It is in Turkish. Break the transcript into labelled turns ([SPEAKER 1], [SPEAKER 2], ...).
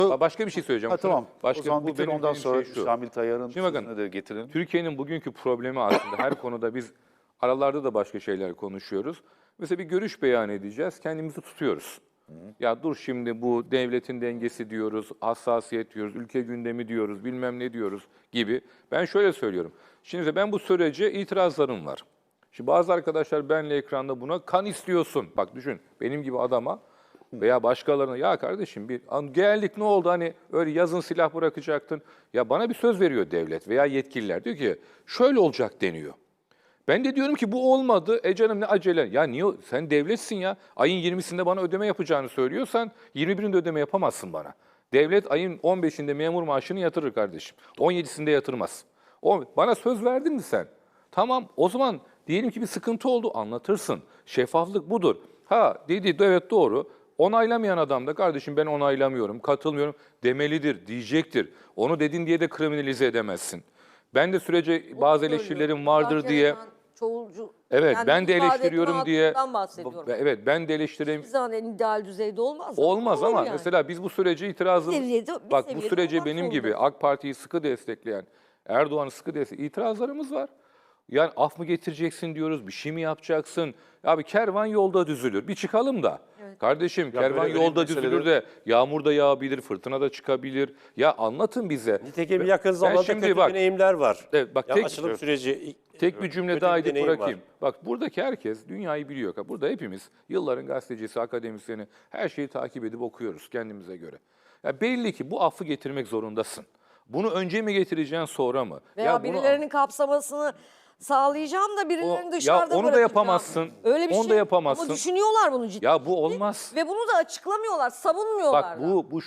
[SPEAKER 1] Başka bir şey söyleyeceğim.
[SPEAKER 2] Tamam.
[SPEAKER 1] Başka,
[SPEAKER 2] o zaman
[SPEAKER 1] bu
[SPEAKER 2] bitir,
[SPEAKER 1] benim
[SPEAKER 2] ondan
[SPEAKER 1] dediğim
[SPEAKER 2] sonra
[SPEAKER 1] şey şu.
[SPEAKER 2] Şamil Tayyar'ın
[SPEAKER 1] Şimdi bakın,
[SPEAKER 2] sözünü de getirelim.
[SPEAKER 1] Türkiye'nin bugünkü problemi aslında her konuda biz aralarda da başka şeyler konuşuyoruz. Mesela bir görüş beyan edeceğiz, kendimizi tutuyoruz. Ya dur şimdi bu devletin dengesi diyoruz, hassasiyet diyoruz, ülke gündemi diyoruz, bilmem ne diyoruz gibi. Ben şöyle söylüyorum. Şimdi ben bu sürece itirazlarım var. Şimdi bazı arkadaşlar benle ekranda buna kan istiyorsun. Bak düşün benim gibi adama veya başkalarına ya kardeşim bir geldik ne oldu hani öyle yazın silah bırakacaktın. Ya bana bir söz veriyor devlet veya yetkililer diyor ki şöyle olacak deniyor. Ben de diyorum ki bu olmadı. Canım ne acele. Ya niye sen devletsin ya. Ayın 20'sinde bana ödeme yapacağını söylüyorsan 21'inde ödeme yapamazsın bana. Devlet ayın 15'inde memur maaşını yatırır kardeşim. 17'sinde yatırmaz. Bana söz verdin mi sen? Tamam o zaman diyelim ki bir sıkıntı oldu anlatırsın. Şeffaflık budur. Ha dedi evet doğru. Onaylamayan adam da kardeşim ben onaylamıyorum, katılmıyorum demelidir, diyecektir. Onu dedin diye de kriminalize edemezsin. Ben de sürece bazı eleştirilerim vardır diye.
[SPEAKER 3] Çoğulcu.
[SPEAKER 1] Evet
[SPEAKER 3] yani
[SPEAKER 1] ben de
[SPEAKER 3] ifade etme
[SPEAKER 1] eleştiriyorum diye.
[SPEAKER 3] hakkından bahsediyorum.
[SPEAKER 1] Evet ben de eleştireyim.
[SPEAKER 3] Hiçbir zaman en ideal düzeyde olmaz.
[SPEAKER 1] Olmaz
[SPEAKER 3] Olur
[SPEAKER 1] ama
[SPEAKER 3] yani.
[SPEAKER 1] mesela biz bu sürece itirazımız...
[SPEAKER 3] Bir
[SPEAKER 1] Bak bu
[SPEAKER 3] seviyede
[SPEAKER 1] sürece
[SPEAKER 3] olmak
[SPEAKER 1] benim gibi
[SPEAKER 3] zorunda.
[SPEAKER 1] AK Parti'yi sıkı destekleyen, Erdoğan'ı sıkı destekleyen itirazlarımız var. Yani af mı getireceksin diyoruz, bir şey mi yapacaksın? Ya bir kervan yolda düzülür. Bir çıkalım da. Kardeşim kervan
[SPEAKER 2] böyle
[SPEAKER 1] yolda
[SPEAKER 2] meseleleri-
[SPEAKER 1] düzülür de yağmur da yağabilir, fırtına da çıkabilir. Ya anlatın bize.
[SPEAKER 4] Nitekim yakın zamanda
[SPEAKER 1] şimdi
[SPEAKER 4] kötü
[SPEAKER 1] bak-
[SPEAKER 4] deneyimler var.
[SPEAKER 1] Evet, bak
[SPEAKER 4] Ya
[SPEAKER 1] tek-
[SPEAKER 4] açılım süreci
[SPEAKER 1] Tek bir cümle
[SPEAKER 4] kötü
[SPEAKER 1] daha
[SPEAKER 4] bir
[SPEAKER 1] edip
[SPEAKER 4] deneyim
[SPEAKER 1] bırakayım.
[SPEAKER 4] var.
[SPEAKER 1] Bak buradaki herkes dünyayı biliyor. Burada hepimiz yılların gazetecisi, akademisyeni her şeyi takip edip okuyoruz kendimize göre. Ya belli ki bu affı getirmek zorundasın. Bunu önce mi getireceksin sonra mı?
[SPEAKER 3] Veya
[SPEAKER 1] ya bunu-
[SPEAKER 3] birilerinin kapsamasını sağlayacağım da birilerini
[SPEAKER 1] O-
[SPEAKER 3] dışarıda
[SPEAKER 1] ya onu da
[SPEAKER 3] bırakacağım.
[SPEAKER 1] yapamazsın.
[SPEAKER 3] Öyle bir
[SPEAKER 1] Onu
[SPEAKER 3] şey.
[SPEAKER 1] da yapamazsın.
[SPEAKER 3] Ama düşünüyorlar bunu ciddi.
[SPEAKER 1] Ya bu olmaz.
[SPEAKER 3] Ve bunu da açıklamıyorlar, savunmuyorlar
[SPEAKER 1] Bak
[SPEAKER 3] da.
[SPEAKER 1] bu